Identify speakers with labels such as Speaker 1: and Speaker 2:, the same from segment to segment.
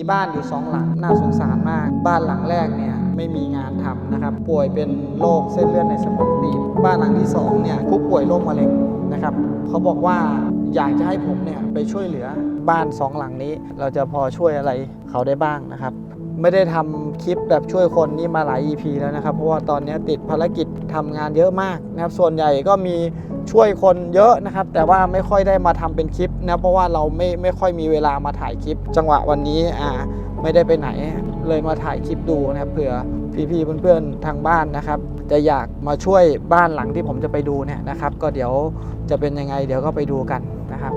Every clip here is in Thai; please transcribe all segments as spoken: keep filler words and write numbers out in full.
Speaker 1: บ้านอยู่สองหลังน่าสงสารมากบ้านหลังแรกเนี่ยไม่มีงานทำนะครับป่วยเป็นโรคเส้นเลือดในสมองตีบบ้านหลังที่สองเนี่ยผู้ป่วยโรคมะเร็งนะครับเขาบอกว่าอยากจะให้ผมเนี่ยไปช่วยเหลือบ้านสองหลังนี้เราจะพอช่วยอะไรเขาได้บ้างนะครับไม่ได้ทำคลิปแบบช่วยคนนี่มาหลาย อี พี แล้วนะครับเพราะว่าตอนนี้ติดภารกิจทำงานเยอะมากนะครับส่วนใหญ่ก็มีช่วยคนเยอะนะครับแต่ว่าไม่ค่อยได้มาทำเป็นคลิปนะเพราะว่าเราไม่ไม่ค่อยมีเวลามาถ่ายคลิปจังหวะวันนี้อ่าไม่ได้ไปไหนเลยมาถ่ายคลิปดูนะครับเผื่อพี่ๆเพื่อนๆทางบ้านนะครับจะอยากมาช่วยบ้านหลังที่ผมจะไปดูเนี่ยนะครับก็เดี๋ยวจะเป็นยังไงเดี๋ยวก็ไปดูกันนะครับ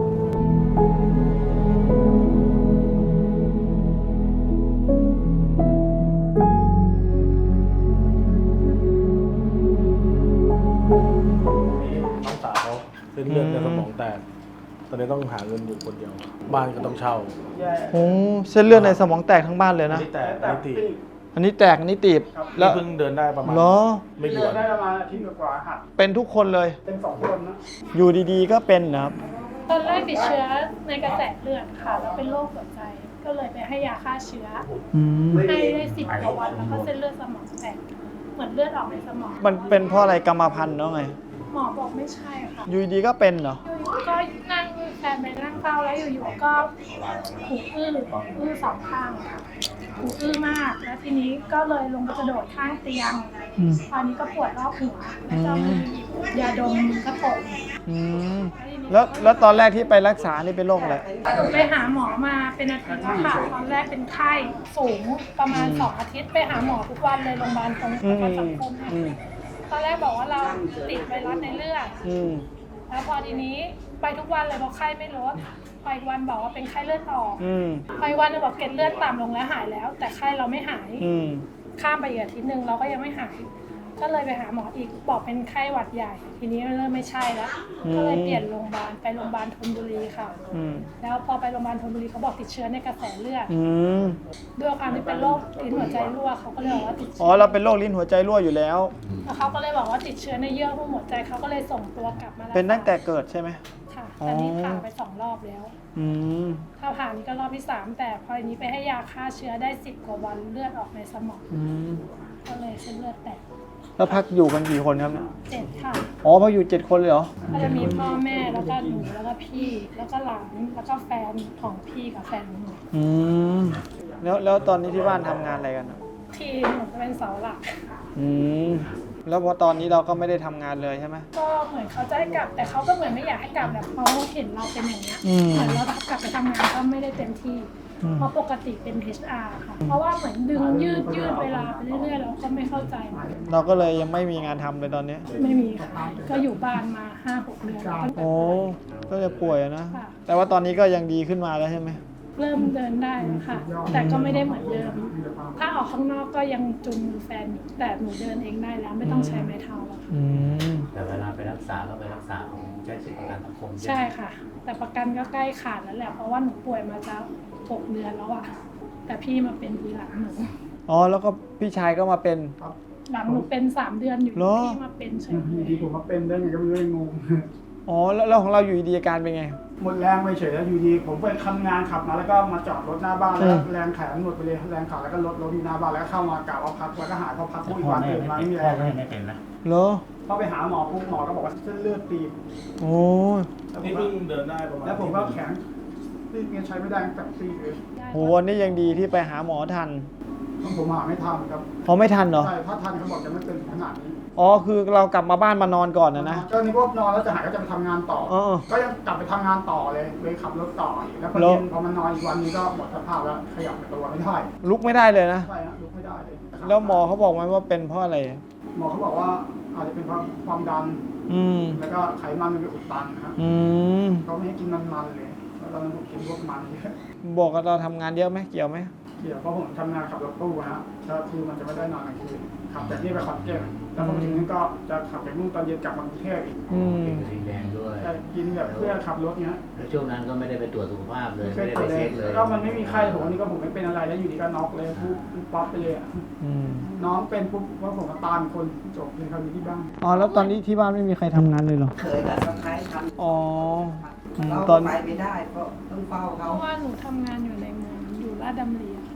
Speaker 2: น้องสาวเขาเส้นเลือดในสมองแตกตอนนี้ต้องหาเงินอยู่คนเดียวบ้านก็ต้องเช่า
Speaker 1: โอ้เส้นเลือดในสมองแตกทั้งบ้านเลย
Speaker 2: อัน
Speaker 1: นะ
Speaker 2: นี้แตกอันนี้ตีบ
Speaker 1: อันนี้แตกอันนี้ตีบ
Speaker 2: แล้วเพิ่งเดินได้ประมาณ
Speaker 1: เหรอ
Speaker 2: ไม่กี่
Speaker 3: เดิ
Speaker 2: วัน น
Speaker 3: ได้ประมาณอาทิตย์กว่าๆหัด
Speaker 1: เป็นทุกคนเลย
Speaker 3: เป็นสองคนนะ
Speaker 1: อยู่ดีๆก็เป็นนะครับ
Speaker 4: ตอนแรกติดเชื้อในกระแสเลือดค่ะแล้วเป็นโรคหัวใจ ก็เลยไปให้ยาฆ่าเชื้อ
Speaker 1: อืม
Speaker 4: ให้ได้สิบกว่าวันแล้วก็เส้นเลือดสมองแตกเหมือนเลือดออกในสมอง
Speaker 1: มันเป็นเพราะอะไรกรรมพันธุ์เนาะไง
Speaker 4: หมอบอกไม่ใช่ค่ะ
Speaker 1: อยู่ดีๆก็เป็นเหรอ
Speaker 4: อยู่ๆก็นั่งแฟนไปนั่งเฝ้าแล้วอยู่ๆก็หูอื้ออื้อสองข้างค่ะหูอื้อมากแล้วทีนี้ก็เลยลงไปกระโดดข้างเตียง
Speaker 1: อืม
Speaker 4: ตอนนี้ก็ปวดรอบหัวแล้วก็มียาดมกระปุก
Speaker 1: อืมแล้วแล้วตอนแรกที่ไปรักษานี่เป็นโรคอะไร
Speaker 4: ไปหาหมอมาเป็นอาทิตย์แล้วค่ะตอนแรกเป็นไข้สูงประมาณสองอาทิตย์ไปหาหมอทุกวันเลยโรงพยาบาลตรงประกันสังคมเนี่ย
Speaker 1: อืม
Speaker 4: ตอนแรกบอกว่าเราติดไวรัสในเลือด
Speaker 1: อืม
Speaker 4: แล้วพอทีนี้ไปทุกวันเลยเพราะไข้ไม่ลดไปอีกวันบอกว่าเป็นไข้เลือดออก
Speaker 1: อืม
Speaker 4: ไปอีกวันนึงบอกเกล็ดเลือดต่ำลงแล้วหายแล้ว แต่ไข้เราไม่หาย
Speaker 1: อืม
Speaker 4: ข้ามไปอีกอาทิตย์หนึ่งเราก็ยังไม่หาย ก็เลยไปหาหมออีกบอกเป็นไข้หวัดใหญ่ ทีนี้เริ่มไม่ใช่แล้ว ก็เลยเปลี่ยนโรงพยาบาลไปโรงพยาบาลธนบุรีค่ะ
Speaker 1: อืม
Speaker 4: แล้วพอไปโรงพยาบาลธนบุรีเขาบอกติดเชื้อในกระแสเลือด
Speaker 1: อืม
Speaker 4: ด้วยความที่เป็นโรคลิ้นหัวใจรั่วเขาก็เลยบอกว่าติด
Speaker 1: อ๋อ
Speaker 4: เชื้อ
Speaker 1: เราเป็นโรคลิ้นหัวใจรั่วอยู่แล้ว
Speaker 4: แล้วเขาก็เลยบอกว่าติดเชื้อในเยื่อหุ้มหัวใจเขาก็เลยส่งตัวกลับมารักษา
Speaker 1: เป็นตั้งแต่เกิดใช่ไหม
Speaker 4: ค่ะ
Speaker 1: อ๋อ
Speaker 4: แต่นี่ผ่าไปสองรอบแล้ว
Speaker 1: อืม
Speaker 4: ถ้าผ่านนี่ก็รอบที่สามแต่พออันนี้ไปให้ยาฆ่าเชื้อได้สิบกว่าวันเลือดออกในสมอง
Speaker 1: อืม
Speaker 4: ก็เลยเส้นเลือดแตก
Speaker 1: แล้วพักอยู่กันกี่คนครับเนี่ย
Speaker 4: เจ็ดค่ะ
Speaker 1: อ๋อพักอยู่เจ็ดคนเลยเหรอ
Speaker 4: ก็จะมีพ่อแม่แล้วก็หนูแล้วก็พี่ แล้วก็หลานแล้วก็แฟนของพี่กับแฟนของหนู
Speaker 1: อืม แล้วแล้วตอนนี้ที่บ้านทำงานอะไรกันอะ
Speaker 4: ที่หนูเป็นเสาหลัก
Speaker 1: อืม แล้วพอตอนนี้เราก็ไม่ได้ทำงานเลยใช่ไหม
Speaker 4: ก็เหมือนเขาจะให้กลับ แต่เขาก็เหมือนไม่อยากให้กลับแบบเขาเห็นเราเป็นอย่างเงี้ย
Speaker 1: อืม
Speaker 4: เหมือนเรากลับไปทำงานก็ไม่ได้เต็มที่
Speaker 1: อืม
Speaker 4: เพราะปกติเป็น เอช อาร์ ค่ะ เพราะว่าเหมือนดึงยืดยืดเวลาไปเรื่อยๆเราก็ไม่เข้าใจ
Speaker 1: เราก็เลยยังไม่มีงานทำเลยตอนนี้
Speaker 4: ไม่มีค่ะ ก็อยู่บ้านมาห้าหกเดือนแล้ว
Speaker 1: โอ้ก็จะป่วยอะนะ
Speaker 4: ค่ะ
Speaker 1: แต่ว่าตอนนี้ก็ยังดีขึ้นมาแล้วใช่ไหม
Speaker 4: เริ่มเดินได้แล้วค่ะ แต่ก็ไม่ได้เหมือนเดิม ถ้าออกข้างนอกก็ยังจุงมือแฟนอยู่แต่หนูเดินเองได้แล้วไม่ต้องใช้ไม้เท้าแล้วค่ะ
Speaker 1: อืม
Speaker 5: แต่เวลาไปรักษาก็ไปรักษาของใช้สิทธิประกันสังคม
Speaker 4: ใช่ค่ะ แต่ประกันก็ใกล้ขาดแล้วแหละเพราะว่าหนูป่วยมาจะหกเดือนแล้วอะแต่พี่มาเป็นทีหลังหนู
Speaker 1: อ๋อ แล้วก็พี่ชายก็มาเป็น
Speaker 4: หลังหนูเป็นสามเดือนอยู่
Speaker 1: เหรอ
Speaker 4: พี่มาเป็นเฉย
Speaker 3: อยู่ดีผมมาเป็นได้ไงก็ไม่รู้เลยงง
Speaker 1: อ๋อ แล้วแล้วของเราอยู่ดีๆอาการเป็นไง
Speaker 3: หมดแรงไปเฉยแล้วอยู่ดีผมไปทำงานขับมาแล้วก็มาจอดรถหน้าบ้านแล้ว
Speaker 1: อืม
Speaker 3: แรงแขนหมดไปเลยแรงขาแล้วก็รถรถที่หน้าบ้านแล้วก็เข้ามากะว่าพักแล้วก็หายพอพักปุ๊บอีก
Speaker 5: พ่อ
Speaker 3: วัน
Speaker 5: แม่
Speaker 3: ตื่นมา
Speaker 5: ไม่
Speaker 3: ไม่มี
Speaker 5: เป็น
Speaker 3: แร
Speaker 5: พ่อง แม่ไม่เป็นนะ
Speaker 1: เหรอ
Speaker 3: พอไปหาหมอปุ๊บหมอก็บอกว่าเส้นเลือดตีบ
Speaker 1: โอ้ย
Speaker 3: แล้วผ
Speaker 2: นี่
Speaker 3: มก็
Speaker 2: เพิ่งเดินได้ประมาณ
Speaker 3: แล้วผมก็แขนซีกเนี่ยใช้ไม่ได้ตั้งแต่ซีกเลย
Speaker 4: ๆได้
Speaker 1: โหวันนี้ยังดีที่ไปหาหมอทัน
Speaker 3: ผมหาไม่ทันครับ
Speaker 1: เขาไม่ทันเหรอ
Speaker 3: ใช่ถ้าทันเขาบอกจะไม่เป็นขนาดนี้
Speaker 1: อ๋อ คือเรากลับมาบ้านมานอนก่อนนะนะ
Speaker 3: ก็นี่พวกนอนแล้วจะหายก็จะไปทำงานต่อ
Speaker 1: เออ
Speaker 3: ก็ยังกลับไปทำงานต่อเลยเลยขับรถต่ออีกแล้วพอ
Speaker 1: แล้ว
Speaker 3: เย็นพอมันนอนอีกวันนี้ก็หมดสภาพแล้วขยับตัวไม่ได้
Speaker 1: ลุกไม่ได้เลยนะ
Speaker 3: ใช่ฮะลุกไม่ได้เลย
Speaker 1: แล้วหมอเขาบอกไหมว่าเป็นเพราะอะไร
Speaker 3: หมอเขาบอกว่าอาจจะเป็นเพราะความดัน
Speaker 1: อืม
Speaker 3: แล้วก็ไขมันมันไปอุดตันนะฮะ
Speaker 1: อืม
Speaker 3: เขาไม่ให้กินมันๆเลยแล้วตอนนั้นผมกินพวกมันเยอะ
Speaker 1: บอกกับเราทำงานเยอะไหมเกี่ยวไหม
Speaker 3: เดี๋ยวเพราะผมทำงานขับรถตู้ฮะก็คือมันจะไม่ได้นอนกลางคืนขับจากนี่ไปขอนแก่นแล้วพอมาถึงนี่ก็จะขับไปมุ่งตอนเย็นกลับมากรุงเทพอีก
Speaker 1: อืม
Speaker 5: เป็นสีแดงด้วย
Speaker 3: แต่กินแบบเพื่อขับรถเนี้ย
Speaker 5: แล้วช่วงนั้นก็ไม่ได้ไปตรวจสุขภาพเลย
Speaker 3: ไม่เค
Speaker 5: ไม่
Speaker 3: ย
Speaker 5: ได้
Speaker 3: ตร
Speaker 5: ไป
Speaker 3: วจเล
Speaker 5: เช็
Speaker 3: ย
Speaker 5: คเลย
Speaker 3: ก็มันไม่มีไข้ผมวันนี้ก็ผมไม่เป็นอะไรแล้วอยู่ดีก็น็อกเลยปุ๊บป๊อปไปเลยอะ
Speaker 1: อืม
Speaker 3: น้องเป็นปุ๊บว่าผมก็ตามคนจบเลยครับอยู่ที่บ้าน
Speaker 1: อ๋อ แล้วตอนนี้ที่บ้านไม่มีใครทำงานเลยเหรอ
Speaker 6: เคยกับสะพ้ายท
Speaker 1: อ๋ออืม
Speaker 6: ำเรา
Speaker 1: ตอน
Speaker 6: ไปไม่ได้เพราะต้องเฝ้า
Speaker 4: เพ
Speaker 6: เขา
Speaker 4: ราะว่าหนูทำงานอยู่ในเมืองอยู่ลาดดำเรียค่ะ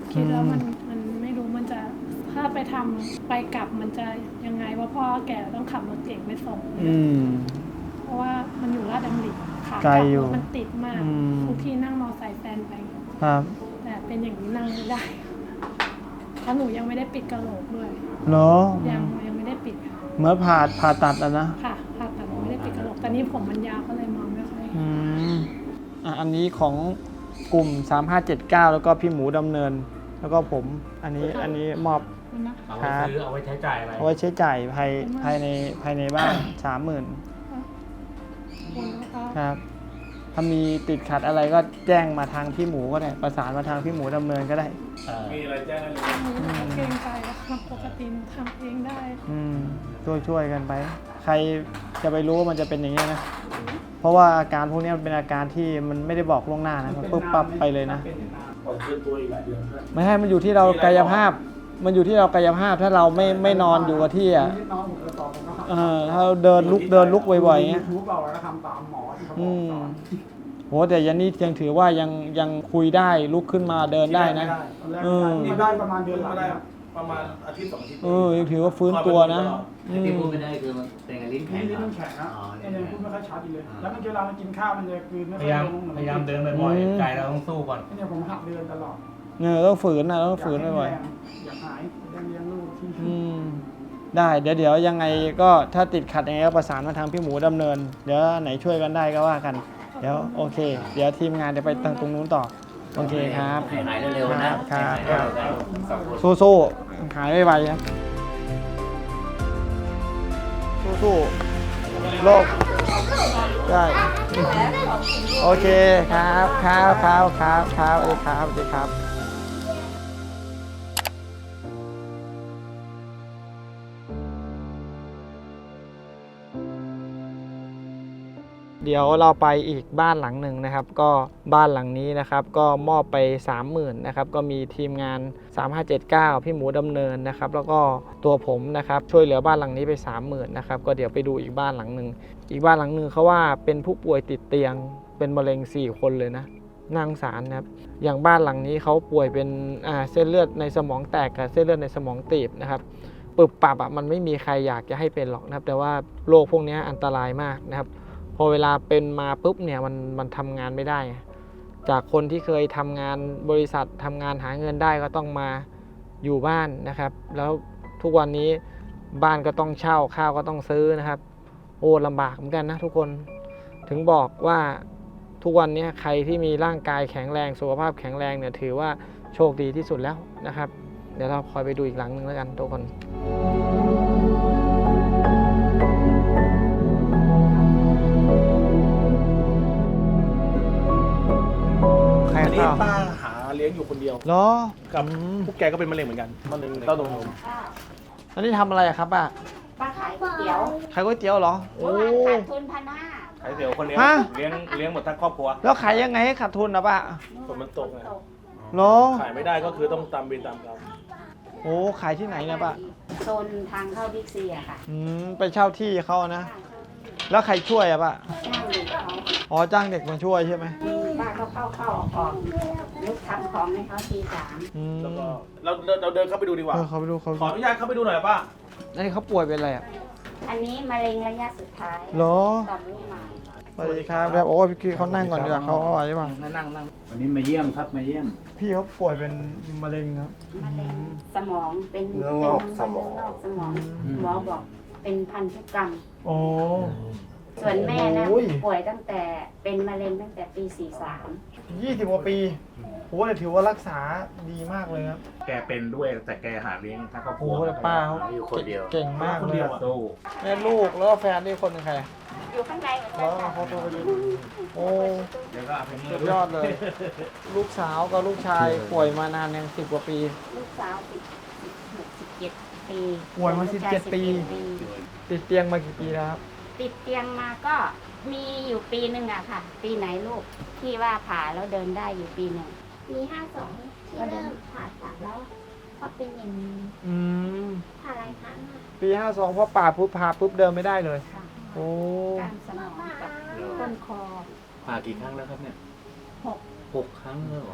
Speaker 4: คิดแล้ว
Speaker 1: อืม
Speaker 4: มันมันไม่รู้มันจะถ้าไปทำไปกลับมันจะยังไงว่าพ่อแก่ต้องขับรถเก่งไปส่ง
Speaker 1: อืม
Speaker 4: เพราะว่ามันอยู่ลาดดำริค่ะ
Speaker 1: ไกลอยู่
Speaker 4: รถมันติดมาก
Speaker 1: อืม
Speaker 4: ทุกทีนั่งมอไซค์แฟนไป
Speaker 1: ครับ
Speaker 4: แต่เป็นอย่างนี้นั่งไม่ได้เพราะหนูยังไม่ได้ปิดกระโหลกด้วย
Speaker 1: เหรอ
Speaker 4: ยังยังไม่ได้ปิดค่ะ
Speaker 1: เหมื่อนผ่าผ่าตัดอะนะ
Speaker 4: ค่ะผ่าตัดไม่ได้ปิดกระโหลกตอนนี้ผมมันยาวก็เลยมองไม่ค่อย
Speaker 1: อืมอ่ะอันนี้ของกลุ่มสามห้าเจ็ดเก้าแล้วก็พี่หมูดำเนิน แล้วก็ผม อันนี้อันนี้มอบ
Speaker 4: นะ
Speaker 5: เอาไว้ซื้อเอาไว้ใช้จ่ายอะไร
Speaker 1: เอาไว้ใช้จ่ายภายภายในภายในบ้านสามหมื่น
Speaker 4: คุณนะคะ
Speaker 1: ครับ ถ้ามีติดขัดอะไรก็แจ้งมาทางพี่หมูก็ได้ ประสานมาทางพี่หมูดำเนินก็ได้
Speaker 5: เออ
Speaker 2: มีอะไรแจ้งได้เลย
Speaker 4: หนูเกรงใจอะค่ะปกติหนูทำเองได้
Speaker 1: อืมช่วยช่วยกันไป ใครจะไปรู้ว่ามันจะเป็นอย่างนี้ยนะ เพราะว่าอาการพวกนี้มันเป็นอาการที่มันไม่ได้บอกล่วงหน้านะมันปุ๊บปั๊บไปเลยนะ
Speaker 2: ก่อนเคลื่อนตัวอีกหลายเดือนด้วย
Speaker 1: ไม่ให้มันอยู่ที่เรากายภาพ มันอยู่ที่เรากายภาพ ถ้าเราไม่ไม่นอนอยู่กับที่อ่ะ
Speaker 3: นิดน้อยผมจะตอบผมก็
Speaker 1: เออถ้าเราเดินลุกเดินลุกบ่อยๆอย่างเงี้ย
Speaker 3: ยูทูบเราแล้วก็ทำตามหมอที่เขาบ
Speaker 1: อื
Speaker 3: อก
Speaker 1: ม
Speaker 3: สอน
Speaker 1: โหแต่ยันนี่ยังถือว่ายังยังคุยได้ลุกขึ้นมาเดินได้นะ
Speaker 3: ตอนแรก
Speaker 1: เออ
Speaker 3: มาได้ประมาณเดือนหลัง
Speaker 2: ได้
Speaker 3: ครับ
Speaker 2: ประมาณอาทิตย์สองอาทิตย์
Speaker 1: เออยังถือว่าฟื้นตัวนะอื
Speaker 5: ที่
Speaker 1: ม
Speaker 5: พูดไม่ได้คือมันเป็นกับลิ้นแข็ง
Speaker 3: นี่
Speaker 5: เหร
Speaker 3: นี่
Speaker 5: อ
Speaker 3: มันแข็งนะ
Speaker 5: อ๋อ
Speaker 3: ไอ้เนี่ยพูดไม่ค่อยชัดอีกเลย แล้วมันเวลามันกินข้าวมันจะกลืนไม่
Speaker 5: พ
Speaker 3: ค่อย
Speaker 5: ยายาม
Speaker 3: ลงหอน
Speaker 5: พยายามเดินบ่อย
Speaker 1: อืม
Speaker 5: ๆใจเราต้องสู้ก่อน
Speaker 3: ไอ้เนี่ยผมหักเดินตลอด
Speaker 1: เนี่ยต้องฝืนนะต้องฝืนบ่อย
Speaker 3: อยากอยากหายอยากเลี้ยงลูกที่
Speaker 1: ๆอืมได้เดี๋ยวเดี๋ยวยังไงก็ถ้าติดขัดยังไงก็ประสานมาทางพี่หมูดำเนิน เดี๋ยวไหนช่วยกันได้ก็ว่ากัน เดี๋ยวโอเค เดี๋ยวทีมงานเดี๋ยวไปทางตรงนู้นต่อโอเคครับ
Speaker 5: ให้หายเร็วๆนะครับ ให้หายเร็วๆกันสองคน
Speaker 1: สู้ๆหายไวๆครับสู้ๆโลกได้โอเคครับครับครับครับครับสวัสดีครับสวัสดีครับ เดี๋ยวเราไปอีกบ้านหลังหนึ่งนะครับ ก็บ้านหลังนี้นะครับ ก็มอบไป สามหมื่น นะครับ ก็มีทีมงาน สามห้าเจ็ดเก้า พี่หมูดำเนินนะครับ แล้วก็ตัวผมนะครับช่วยเหลือบ้านหลังนี้ไป สามหมื่น นะครับ ก็เดี๋ยวไปดูอีกบ้านหลังหนึ่งอีกบ้านหลังหนึ่งเขาว่าเป็นผู้ป่วยติดเตียงเป็นมะเร็งสี่คนเลยนะน่าสงสารนะครับอย่างบ้านหลังนี้เขาป่วยเป็นอ่าเส้นเลือดในสมองแตกกับเส้นเลือดในสมองตีบนะครับปึบปับอ่ะมันไม่มีใครอยากจะให้เป็นหรอกนะครับแต่ว่าโรคพวกนี้อันตรายมากนะครับพอเวลาเป็นมาปุ๊บเนี่ยมันมันทำงานไม่ได้ จากคนที่เคยทำงานบริษัททำงานหาเงินได้ก็ต้องมาอยู่บ้านนะครับ แล้วทุกวันนี้บ้านก็ต้องเช่าข้าวก็ต้องซื้อนะครับโอ้ลำบากเหมือนกันนะทุกคนถึงบอกว่าทุกวันนี้ใครที่มีร่างกายแข็งแรงสุขภาพแข็งแรงเนี่ยถือว่าโชคดีที่สุดแล้วนะครับ เดี๋ยวเราคอยไปดูอีกหลังหนึ่งแล้วกันทุกคนใคร
Speaker 2: อันนี้
Speaker 1: เข้า
Speaker 2: ป้าหาเลี้ยงอยู่คนเดียว
Speaker 1: เหรอ
Speaker 2: กับ
Speaker 1: อืม
Speaker 2: พวกแกก็เป็นมะเร็งเหมือนกันมะเร็งเต้านม
Speaker 1: อันนี้ทำอะไรอะครับป้า
Speaker 6: ป้าขายก๋วยเตี๋ยว
Speaker 1: ขายก๋วยเตี๋ยวเหรอโอ้
Speaker 6: เมื่อวานขาดทุนพันห้า
Speaker 2: ขายเตี๋ยวคนเดียว
Speaker 1: ฮะ
Speaker 2: เลี้ยงเลี้ยงหมดทั้งครอบครัว
Speaker 1: แล้วขายยังไงให้ขาดทุนนะป้า
Speaker 2: ฝนมันตกไง
Speaker 1: เหรอ
Speaker 2: ขายไม่ได้ก็คือต้องตามเวรตามกรรม
Speaker 1: โอ้ขายที่ไหนเนะป้า
Speaker 6: โซนทางเข้าบิ๊กซีอะค่ะ
Speaker 1: อืมไปเช่าที่เขานะ แล้วใครช่วยอะป้า
Speaker 6: จ้างเด็กเขา
Speaker 1: อ๋อจ้างเด็กมาช่วยใช่ไหม
Speaker 6: ป้าก็เข้าเข้าออกออกลุกทำของให้เขาทีสาม
Speaker 1: อืม
Speaker 2: แล้วก็เราเราเราเดินเข้าไปดูดีกว่า
Speaker 1: เออเขาไปดูเขา
Speaker 2: ขออนุญาตเข้าไปดูหน่อยป้า
Speaker 1: อันนี้เขาป่วยเป็นอะไรอะ
Speaker 6: อันนี้มะเร็งระยะสุดท้าย
Speaker 1: เหรอ
Speaker 6: ต่อมลูกหมาก
Speaker 1: สวัสดีครับแบบโอ้พี่กี้เขานั่งก่อนดีกว่าเขาเอาไว้บ้าง
Speaker 5: นั่งนั่งวันนี้มาเยี่ยมครับมาเยี่ยม
Speaker 1: พี่เขาป่วยเป็นมะเร็งครับ
Speaker 6: มะเร็งสมองเป็น
Speaker 2: เนื้
Speaker 6: เป็น
Speaker 2: องอกสมอง
Speaker 6: เนื้งอกสมอง
Speaker 1: อืม
Speaker 6: หมอบอกเป็นพันธุกรรม
Speaker 1: โอ้
Speaker 6: ส่วนแม่นะ
Speaker 1: โอ้ย
Speaker 6: ป่วยตั้งแต่เป็นมะเร็งตั้งแต่ปีสี่สาม
Speaker 1: ยี่สิบกว่าปีโอ้แต่ถือว่ารักษาดีมากเลยครับ
Speaker 7: แกเป็นด้วยแต่แกหาเลี้ยงทั้งครอบค
Speaker 1: โอ้
Speaker 7: รัว
Speaker 1: แต่ป้าเขา
Speaker 5: อยู่คนเดียว
Speaker 1: เก่งมากเลยอะ
Speaker 7: สู้
Speaker 1: แม่ลูกแล้วก็แฟนนี่คนหนึงใคร
Speaker 6: อยู่ข้างในเหมือน
Speaker 1: แล้
Speaker 6: กั
Speaker 1: วน
Speaker 6: ค่ะ
Speaker 1: เขาโทรไปดูโอ้
Speaker 7: เดี๋ยวก็เอาไปนี่
Speaker 1: สุดยอดเลย ลูกสาวกับลูกชายป่วยมานานยังสิบกว่าปี
Speaker 6: ลูกสาวสิบหกสิบเจ็ดปี
Speaker 1: ป่วยมา
Speaker 6: ลูกช
Speaker 1: สิบเจ็ดปี ติดเตียงมากี่ปีแล้วครับ
Speaker 6: ติดเตียงมาก็มีอยู่ปีหนึ่งอะค่ะ ปีไหนลูกที่ว่าผ่าแล้วเดินได้อยู่ปีหนึ่ง
Speaker 8: มีห้าสองที่เริ่มผ่าตัดแล้วก็เป็นอย่างนี้
Speaker 1: อืม
Speaker 8: ผ่าหลายครั้งอะ
Speaker 1: ปีห้าสองพอป่าปุ๊บพาปุ๊บเดินไม่ได้เลย
Speaker 6: ค่ะ
Speaker 1: โอ้
Speaker 6: กล้ามสมองกับต้นคอ
Speaker 5: ผ่ากี่ครั้งแล้วครับเนี่ย
Speaker 6: หก
Speaker 5: หกครั้งแล้วเหรอ
Speaker 1: โ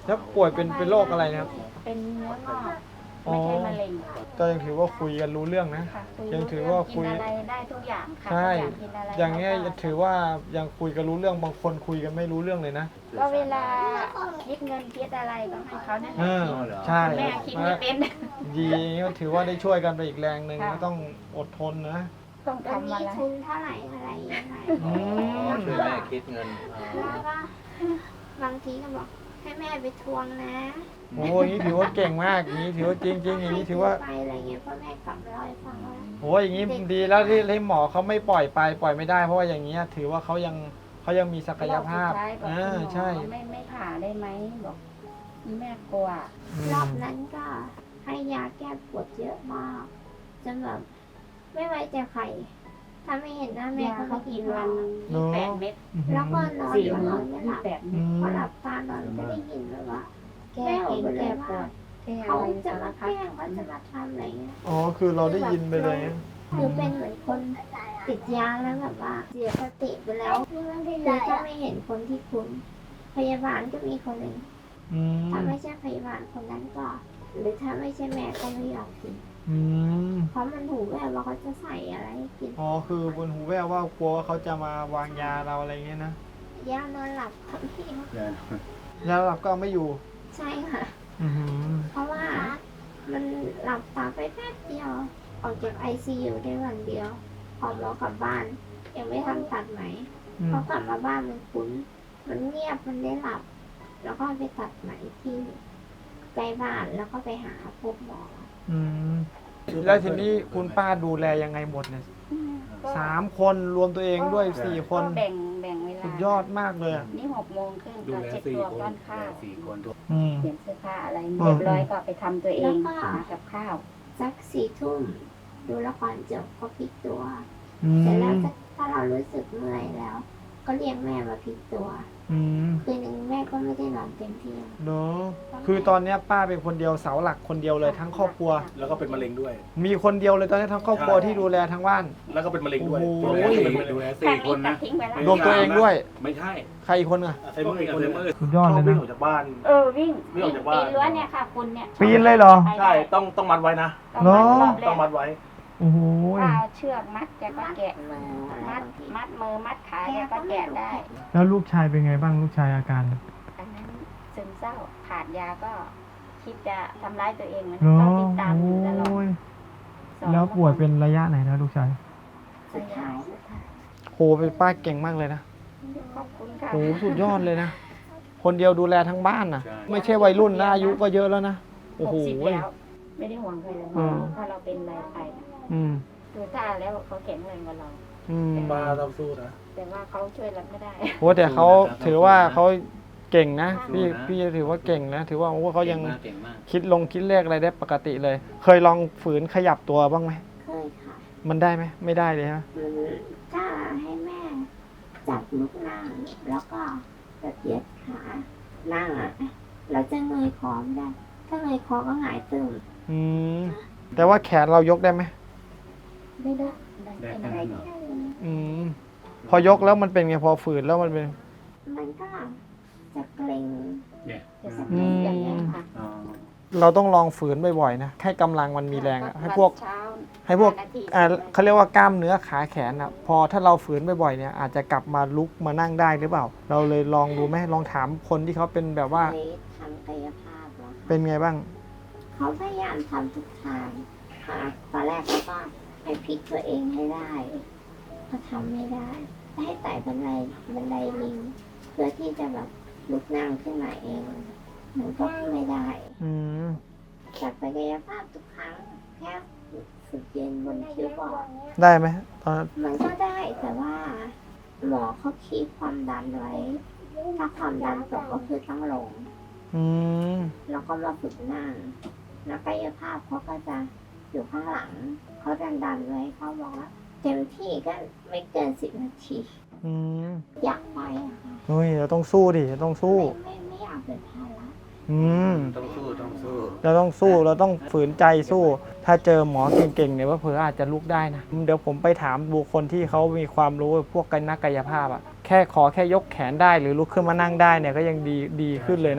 Speaker 1: แล้วป่วยเป็นเป็นโรคอะไรนะครับ
Speaker 6: เป็นเนื้องอก
Speaker 1: อ๋อ
Speaker 6: ไม่ใช่มะเร็ง
Speaker 1: ก็ยังถือว่าคุยกันรู้เรื่องนะ
Speaker 6: ค่ะคุ
Speaker 1: ยัง
Speaker 6: รู้
Speaker 1: ถือว่า
Speaker 6: เรื่อง
Speaker 1: คุย
Speaker 6: กินอะไรได้ทุกอย่างค่ะ
Speaker 1: ใช่
Speaker 6: อยากกินอะไร
Speaker 1: อย่างเงี้ย
Speaker 6: รก็
Speaker 1: ถือว่ายังคุยกันรู้เรื่องบางคนคุยกันไม่รู้เรื่องเลยนะ
Speaker 6: ก็เวลาคิดเงินคิดอะไรก็ให้เขานั่นแห
Speaker 1: เอ
Speaker 6: ละ
Speaker 1: อ
Speaker 6: คิด
Speaker 1: ใช่
Speaker 6: แม่คิดไม่เป็น
Speaker 1: ดีก็ถือว่าได้ช่วยกันไปอีกแรงหนึ่ง
Speaker 6: ค่ะ
Speaker 1: ก็ต้องอดทนนะ
Speaker 6: ต้อง
Speaker 8: วัน
Speaker 6: ทำอะ
Speaker 8: นี้
Speaker 6: ไร
Speaker 8: ทุนเท่าไหร่อะไรยังไง
Speaker 1: อืม
Speaker 5: ช่วยแม่คิดเงิน
Speaker 8: แล้วก็บางทีก็บอกให้แม่ไปทวงนะ
Speaker 1: โอ้ยอย่างนี้ถือว่าเก่งมากอย่างนี้ถือว่าจริงจริงๆอย่างนี้ถือว่า
Speaker 8: ไปอะไรเงี้ยพ่อแม่กลับมาเล่าให้ฟังว่า
Speaker 1: โอ้ยอย่างนี้ดีแล้วที่ที่หมอเขาไม่ปล่อยไปปล่อยไม่ได้ เพราะว่าอย่างนี้ยถือว่าเขายังเขายังมีศักยภาพ
Speaker 6: รอบสุดท้ายบอก
Speaker 1: อ่า
Speaker 6: คุณหมอ
Speaker 1: ใช่
Speaker 6: ไม่ไม่ผ่าได้ไหมบอกแม่กลัว
Speaker 1: อืม
Speaker 8: รอบนั้นก็ให้ยาแก้ปวดเยอะมากจนแบบไม่ไว้ใจใครถ้าไม่เห็นหน้าแม่
Speaker 6: ยา
Speaker 8: ก็
Speaker 6: เขา
Speaker 8: ไม่
Speaker 6: กิ
Speaker 8: กิ
Speaker 6: น
Speaker 8: น
Speaker 6: วัน
Speaker 8: เรา
Speaker 6: ยี่แปดเม็ด
Speaker 8: แล้วก็นอน
Speaker 6: สี่
Speaker 8: อยู่
Speaker 6: มื้
Speaker 8: น
Speaker 6: อ
Speaker 8: อนไม่ห
Speaker 6: ยี่
Speaker 8: ลับ
Speaker 6: แปด
Speaker 1: อื
Speaker 6: เม็ด
Speaker 1: ม
Speaker 8: พอหลับตานอนก็ได้ยินแบบว่า
Speaker 6: แก้กินแก้ปวดแก้
Speaker 8: เขา
Speaker 6: อะไร
Speaker 8: จะ
Speaker 6: สาร
Speaker 8: มา
Speaker 6: พั
Speaker 8: แก
Speaker 6: ด
Speaker 8: ล้งเขาจะมาทำอะไรเงี้ย
Speaker 1: อ๋อคือเราได้ยินไปเลยนะ
Speaker 8: คือเป็นเหมือนคนติดยาแล้วแบบว่าเสียสติไปแล้วคือถ้าไม่เห็นคนที่คุ้นพยาบาลก็มีคนหนึ่ง
Speaker 1: อืม
Speaker 8: ถ้าไม่ใช่พยาบาลคนนั้นก็ หรือถ้าไม่ใช่แม่ก็ไม่ยอมกิน
Speaker 1: อืม
Speaker 8: เพราะมันหูแว่วว่าเขาจะใส่อะไรให้กิน
Speaker 1: อ๋อคือบนหูแว่วว่ากลัวว่าเขาจะมาวางยาเราอะไรเงี้ยนะ
Speaker 8: ยานอนหลับค่ะพี่
Speaker 1: ยาหลับก็เอาไม่อยู่
Speaker 8: ใช่ค่ะ
Speaker 1: อือหือ
Speaker 8: เพราะว่ามันหลับตาไปแป๊บเดียว ออกจากไอซียูได้วันเดียวพอหมอกลับบ้าน ยังไม่ทันตัดไหม
Speaker 1: อืม
Speaker 8: พอกลับมาบ้านมันคุ้น มันเงียบมันได้หลับ แล้วก็ไปตัดไหมที่ใกล้บ้านแล้วก็ไปหาพบหมอ
Speaker 1: อืมแล้วทีนี้คุณป้าดูแลยังไงหมดเนี่ย
Speaker 6: ก็
Speaker 1: สามคนรวมตัวเองด้วยสี่คน
Speaker 6: ก็แบ่งแบ่งเวลา
Speaker 1: สุดยอดมากเลยอะ
Speaker 6: นี่หกโมงครึ่ง
Speaker 5: ดู
Speaker 6: ก็
Speaker 5: แล
Speaker 6: เช็ด
Speaker 5: สี่
Speaker 6: ตัว
Speaker 5: คน
Speaker 6: ป้อนข้าว
Speaker 5: สี่คน
Speaker 1: อืม
Speaker 6: เปลี่ยนเสื้อผ้าอะไร
Speaker 1: อืม
Speaker 6: เรียบร้อยก็ไปทำตัวเอง
Speaker 8: แล้วก็
Speaker 6: หากับข้าว
Speaker 8: สักสี่ทุ่มดูละครจบก็พลิกตัว
Speaker 1: อื
Speaker 8: เสร็จแล้ว
Speaker 1: ม
Speaker 8: ถ้าเรารู้สึกเมื่อยแล้ว ก็เรียกแม่มาพลิกตัว
Speaker 1: อืม
Speaker 8: คืนหนึ่งแม่ก็ไม่ได้นอนเต็มที่
Speaker 1: เนาะคือตอนเนี้ยป้าเป็นคนเดียวเสาหลักคนเดียวเลยทั้งครอบครัว
Speaker 2: แล้วก็เป็นมะเร็งด้วย
Speaker 1: มีคนเดียวเลยตอนนี้ทั้งครอบครัวที่ดูแลทั้งบ้าน
Speaker 2: แล้วก็เป็นมะเร็งด้วย
Speaker 1: โอ้โห
Speaker 5: ดูแลสี่ดูแล
Speaker 6: แค่
Speaker 5: สี่ค
Speaker 6: นี้
Speaker 5: น
Speaker 6: ตั
Speaker 5: นะ
Speaker 6: ดทิ้งไปแล้ว
Speaker 1: รวมตัวเองด้วย
Speaker 5: ไม่ใช่
Speaker 1: ใครอีกคนอ่ะ
Speaker 2: ไอ้พวกอีกคนนึง
Speaker 1: สุดยอดเลย
Speaker 2: ชบวิ่
Speaker 1: นะ
Speaker 2: งออกจากบ้าน
Speaker 6: เออวิ่ง
Speaker 2: วิ่งออกจากบ้าน
Speaker 6: ปีนรั้วเนี่ยค่ะคุณเนี่ย
Speaker 1: ปีนเลยเหรอ
Speaker 6: ไป
Speaker 2: ใช่ ต้องต้องมัดไว้นะ
Speaker 6: ต้องมัด
Speaker 1: เหรอ
Speaker 6: รอบแร
Speaker 2: ต้อง
Speaker 6: ก
Speaker 2: มัดไว้
Speaker 1: โอ้โห
Speaker 6: ว่าเอาเชือกมัดแกก็แกะ
Speaker 8: มืออะไร
Speaker 6: มัด
Speaker 8: บางที
Speaker 6: มัดมือมัดขาแกก็แกะได้
Speaker 1: แล้วลูกชายเป็นไงบ้างลูกชายอาการ
Speaker 6: อันนั้นซึมเศร้าขาดยาก็คิดจะทำร้ายตัวเองเหมือน
Speaker 1: เนาะ
Speaker 6: ต้องติดตามอยู่ตลอด
Speaker 1: โอ้ย
Speaker 6: สอน
Speaker 1: แล้วป่วยเป็นระยะไหนนะลูกชาย
Speaker 8: สุดท้ายสุดท้าย
Speaker 1: โหเป็นป้าเก่งมากเลยนะ
Speaker 6: ขอบคุณค่ะ
Speaker 1: โหสุดยอดเลยนะ คนเดียวดูแลทั้งบ้านนะ
Speaker 5: ใช่
Speaker 1: ไม่ใช่วัยรุ่นนะอายุก็เยอะแล้วนะ โอ้
Speaker 6: หก
Speaker 1: โห
Speaker 6: สิบแล้ว ไม่ได้ห่วงใครเลย
Speaker 1: อืม
Speaker 6: ถ้าเราเป็นอะไรไปนะ
Speaker 1: อืม
Speaker 6: ดูท่าแล้วเขาแข็งแรงกว่าเรา
Speaker 1: อืม
Speaker 2: ป้าต้องสู้นะ
Speaker 6: แต่ว่าเขาช่วยเราไม่ได้
Speaker 1: โหแต่เขาถือว่าเขาเก่งนะ
Speaker 5: สู้
Speaker 1: พี่
Speaker 5: นะ
Speaker 1: พี่ถือว่าเก่งนะ ถือว่าโอ้เขายัง
Speaker 5: เก่มากเก่งมาก
Speaker 1: คิดลงคิดเลขอะไรได้ปกติเลย เคยลองฝืนขยับตัวบ้างไหม
Speaker 8: เคยค่ะ
Speaker 1: มันได้ไหมไม่ได้เลยฮะ
Speaker 8: มันถ้าให้แม่จับลูกนั่งแล้วก็กระเทียดขานั่งอ่ะเราจะเงยคอไม่ได้ ถ้าเงยคอก็หงายตึง
Speaker 1: อืมแต่ว่าแขนเรายกได้ไหม
Speaker 6: ไม่ได้
Speaker 5: ได้
Speaker 6: เป็น
Speaker 5: แค่
Speaker 6: อะไร
Speaker 5: นั้นเหรอ
Speaker 1: อืมพอยกแล้วมันเป็นไงพอฝืนแล้วมันเป็น
Speaker 8: มันก็จะเกร็ง
Speaker 5: เนี่ย
Speaker 6: จะสัก
Speaker 1: อื
Speaker 6: นิ
Speaker 1: ม
Speaker 6: ดอย่างนี้ยค่ะ
Speaker 5: อ๋อ
Speaker 1: เราต้องลองฝืนบ่อยๆนะให้กำลังมันมีแรงอะให้พวก
Speaker 6: เช้า
Speaker 1: ให้พวก
Speaker 6: ห้านาที
Speaker 1: อ่าเขาเรียกว่ากล้ามเนื้อขาแขนอ่ะ พอถ้าเราฝืนบ่อยๆเนี่ยอาจจะกลับมาลุกมานั่งได้หรือเปล่า เราเลยลองดูไหมลองถามคนที่เขาเป็นแบบว่า
Speaker 8: ไปทำกายภาพแล้วค่ะ
Speaker 1: เป็นไงบ้าง
Speaker 8: เขาพยายามทำทุกทางค่ะตอนแรกเขาก็ให้พลิกตัวเองให้ได้เขาทำไม่ได้ ให้ไต่บันไดบันไดลิง เพื่อที่จะแบบลุกนั่งขึ้นมาเอง มันก็ไม่ได้
Speaker 1: อืม
Speaker 8: จัดไปกายภาพทุกครั้งแค่ฝึกยืนบนคิ้วบอร์ด
Speaker 1: ได้ไหมตอนนั้น
Speaker 8: มันก็ได้แต่ว่า หมอเขาคีบความดันไว้ ถ้าความดันตกก็คือต้องลง
Speaker 1: อืม
Speaker 8: แล้วก็มาฝึกนั่งนักกายภาพเขาก็จะอยู่ข้างหลัง เขาดันดันๆไว้เขาบอกว่าเต็มที่ก็ไม่เกินสิบนาที
Speaker 1: อืม
Speaker 8: อยากไปอะค่ะ
Speaker 1: เฮ้ยเราต้องสู้ดิเราต้องสู้
Speaker 8: ไม่ไม่ไม่อยากเป็นภาระ
Speaker 1: อืม
Speaker 5: ต้องสู้ต้องสู้
Speaker 1: เราต้องสู้เราต้องฝืนใจสู้ ถ้าเจอหมอเก่งๆเนี่ยว่าเผื่ออาจจะลุกได้นะเดี๋ยวผมไปถามบุคคลที่เขามีความรู้พวกกันนักกายภาพอะแค่ขอแค่ยกแขนได้หรือลุกขึ้นมานั่งได้เนี่ยก็ยังดีดีขึ้นเลยนะ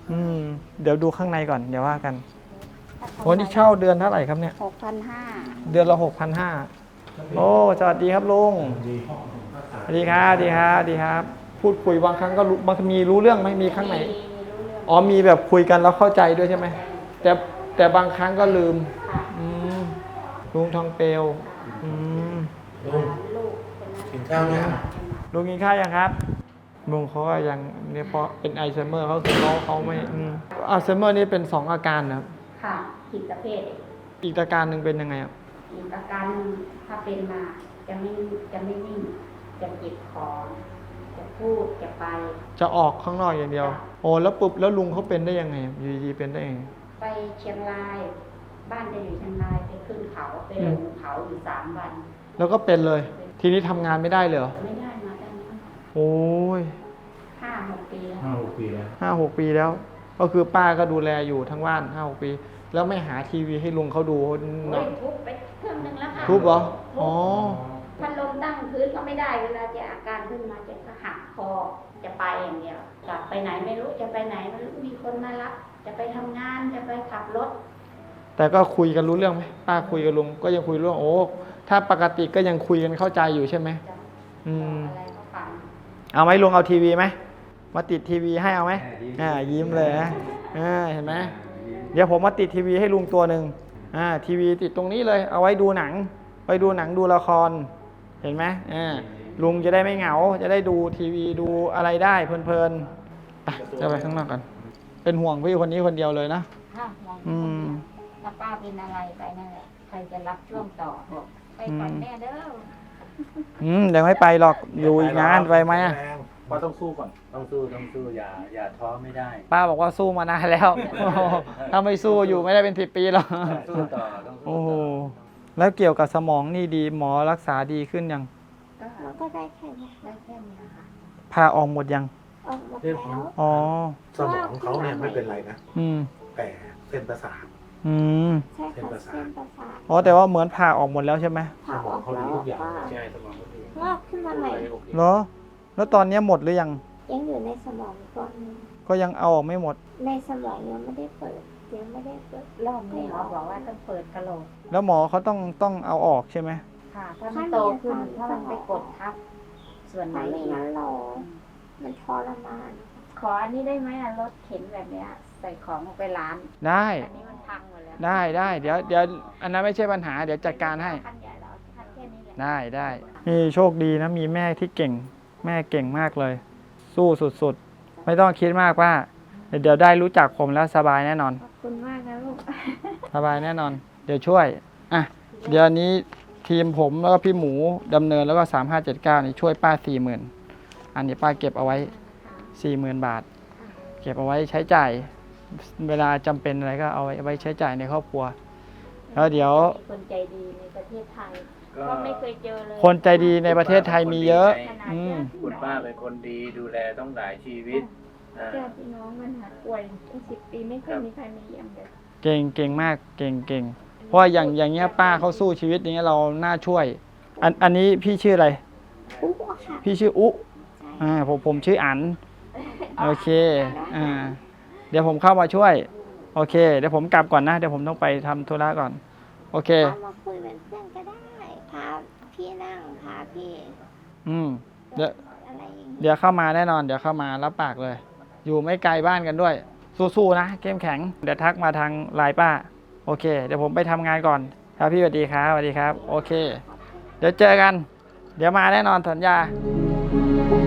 Speaker 1: อืมเดี๋ยวดูข้างในก่อนเดี๋ยวว่ากันโอ้นี่เช่าเดือนเท่าไหร่ครับเนี่ย
Speaker 6: หกพันห้า
Speaker 1: เดือนละหกพันห้าโอ้สวัสดีครับลุงสวัสดีครับสวัสดีครับสวัสดีครับ พูดคุยบางครั้งก็รู้บางมีรู้เรื่องไหมมีครั้งไหนอ๋อมีแบบคุยกันแล้วเข้าใจด้วยใช่ไหมแต่แต่บางครั้งก็ลืมอืมลุงทองเปลวอืม
Speaker 2: กินข้าวยัง
Speaker 1: ลุงกินข้าวยังครับลุงเขาก็ยังเนี่ยเพราะเป็นไอลไซเมอร์เขาคือเขาเขาไม่อืมอัลไซเมอร์นี่เป็นสองอาการนะครับ
Speaker 6: ค่ะผิดประเภท
Speaker 1: อีกอาการหนึ่งเป็นยังไงครับ
Speaker 6: อีกอาการหนึ่งถ้าเป็นมาจะไม่จะไม่นิ่งจะเก็บของจะพูดจะไป
Speaker 1: จะออกข้างนอกอย่างเดียวโอ้แล้วปุ๊บแล้วลุงเขาเป็นได้ยังไงอยู่ดีๆเป็นได้ยังไง
Speaker 6: ไปเชียงราย บ้านจะอยู่เชียงรายไปขึ้นเขาไปลงเขาอยู่สามวัน
Speaker 1: แล้วก็เป็นเลย ทีนี้ทำงานไม่ได้เลยเหรอ
Speaker 6: ไม่ได้มาได้นะ
Speaker 1: โอ้ย
Speaker 6: ห้าหกปีแล้ว
Speaker 2: ห้าหกปีแล้ว
Speaker 1: ห้าหกปีแล้ว ก็คือป้าก็ดูแลอยู่ทั้งบ้านห้าหกปี แล้วไม่หาทีวีให้ลุงเขาดู
Speaker 6: โอ้ยทุบไปเครื่องนึงแล้วค่ะ
Speaker 1: ทุบเหรออ๋อ
Speaker 6: พัดลมตั้งพื้นก็ไม่ได้เวลาจะอาการขึ้นมาจะหักคอจะไปอย่างเดียวกลับไปไหนไม่รู้จะไปไหนไม่รู้มีคนมารับจะไปทำงานจะไปขับรถ
Speaker 1: แต่ก็คุยกันรู้เรื่องไหมป้าคุยกับลุงก็ยังคุยเรื่องโอ้ถ้าปกติก็ยังคุยกันเข้าใจอยู่ใช่ไหม
Speaker 6: จะ
Speaker 1: อืม
Speaker 6: อะไรก็ฟัง
Speaker 1: เอาไหมลุงเอาทีวีไหมมาติดทีวีให้เอาไหมอ่ายิ้มเลยนะอ่าเห็นไหมเดี๋ยวผมมาติดทีวีให้ลุงตัวหนึ่งอ่าทีวีติดตรงนี้เลยเอาไว้ดูหนังไปดูหนังดูละครเห็นไหมอ่าลุงจะได้ไม่เหงาจะได้ดูทีวีดูอะไรได้เพลินๆไปจะไปข้างนอกกันเป็นห่วงพี่คนนี้คนเดียวเลยนะ
Speaker 6: ค่ะมอง
Speaker 1: อืม
Speaker 6: ถ้าป้าเป็นอะไรไปนั่นแหละใครจะรับช่วงต่อบอกไปก่อนแม่เด้อ
Speaker 1: อืมเดี๋ยวไม่ไปหรอกอยู่อีกนานไปไหมอะ
Speaker 2: ป้าต้องสู้ก่อน
Speaker 5: ต้องสู้ต้องสู้อย่าอย่าท้อไม่ได้
Speaker 1: ป้าบอกว่าสู้มานานแล้ว ถ้าไม่สู้อยู่ไม่ได้เป็นสิบปีหรอก
Speaker 5: สู้ต่อต้องสู้
Speaker 1: โอ้โห
Speaker 5: ต่อ
Speaker 1: แล้วเกี่ยวกับสมองนี่ดีหมอรักษาดีขึ้นยัง
Speaker 6: ก็
Speaker 8: มันก็ได้แค่นี้
Speaker 6: ได้แค่นี้ค่ะ
Speaker 1: พาออกหมดยัง
Speaker 8: ออกหมด
Speaker 2: เรื่อง
Speaker 8: แล้
Speaker 2: ของ
Speaker 8: ว
Speaker 1: อ๋อ
Speaker 2: สมองเขาเนี่ยไม่เป็นไรนะ
Speaker 1: อืม
Speaker 2: แต่เส้นประสาท
Speaker 1: อืม
Speaker 8: ใช่ค่ะเส้นประสาท
Speaker 1: อ๋อแต่ว่าเหมือนผ่าออกหมดแล้วใช่ไหม
Speaker 8: ผ่าออกแล้ว
Speaker 2: สมองเขาดีทุกอย่าง
Speaker 8: ก็
Speaker 5: ใช่สมองก็ดี
Speaker 8: งอกขึ้นมาใหม่
Speaker 5: โอเค
Speaker 1: เหรอ แล้วตอนนี้หมดหรือยัง
Speaker 8: ยังอยู่ในสมองก้อนหนึ่ง
Speaker 1: ก็ยังเอาออกไม่หมด
Speaker 8: ในสมองยังไม่ได้เปิดยังไม่ได้เปิด
Speaker 6: รอบนี้หมอบอกว่าต้องเปิดกระโหลก
Speaker 1: แล้วหมอเขาต้องต้องเอาออกใช่ไหม
Speaker 6: ค่ะ ถ้ามันโตขึ้นถ้ามันไปกดทับ ส่วนไหน
Speaker 8: ถ้าไม่
Speaker 6: อีก
Speaker 8: งั้นเรามันทรมาน
Speaker 6: ขออันนี้ได้ไหมอะรถเข็นแบบเนี้ย ใส่ของออกไปร้าน
Speaker 1: ได้
Speaker 6: อันนี้มันพังหมดแล้ว
Speaker 1: ได้ได้เดี๋ยวเดี๋ยวอันนั้นไม่ใช่ปัญหาเดี๋ยวจัดการให้
Speaker 6: คันใหญ่แล้วคันแค่นี้แหละ
Speaker 1: ได้ได้นี่โชคดีนะมีแม่ที่เก่ง แม่เก่งมากเลย สู้สุดๆ ไม่ต้องคิดมากว่า เดี๋ยวได้รู้จักผมแล้วสบายแน่นอน
Speaker 6: ขอบคุณมากนะลูก
Speaker 1: สบายแน่นอน เดี๋ยวช่วยอ่ะเดี๋ยวนี้ทีมผมแล้วก็พี่หมูดำเนินแล้วก็สามห้าเจ็ดเก้านี่ช่วยป้าสี่หมื่นอันนี้ป้าเก็บเอาไว้สี่หมื่นบาท เก็บเอาไว้ใช้จ่าย เวลาจำเป็นอะไรก็เอาไว้ใช้จ่ายในครอบครัว แล้วเดี๋ยว
Speaker 6: มีคนใจดีในประเทศไทย ก็ไม่เคยเจอเลย
Speaker 1: คนใจดีในประเทศไทยมีเยอะ อืม
Speaker 5: คุณป้าเป็นคนดีดูแลต้องหลายชีวิตอ่า
Speaker 6: ญาติพี่น้องมันหาป่วยเป็นสิบปีไม่เคยมีใครมาเยี่ยมเลย
Speaker 1: เก่งเก่งมากเก่งเก่งเพราะว่าอย่างอย่างเงี้ยป้าเขาสู้ชีวิตอย่างเงี้ยเราน่าช่วย อันอันนี้พี่ชื่ออะไร
Speaker 8: อุ๊ค่ะ
Speaker 1: พี่ชื่ออุ
Speaker 8: ใช่
Speaker 1: อ่าผมผมชื่ออันโอเคอ่าเดี๋ยวผมเข้ามาช่วยโอเคเดี๋ยวผมกลับก่อนนะเดี๋ยวผมต้องไปทำธุระก่อนโอเค
Speaker 8: พามาคุยเป็นเพื่อนก็ได้พาพี่นั่งพาพี่
Speaker 1: อืมเดี๋ยว
Speaker 8: อะไรอย่างเงี้ย
Speaker 1: เดี๋ยวเข้ามาแน่นอน เดี๋ยวเข้ามารับปากเลย อยู่ไม่ไกลบ้านกันด้วย สู้ๆนะเข้มแข็งเดี๋ยวทักมาทางไลน์ป้าโอเค เดี๋ยวผมไปทำงานก่อนครับพี่สวัสดีครับสวัสดีครับโอเค เดี๋ยวเจอกัน เดี๋ยวมาแน่นอนสัญญา
Speaker 8: ค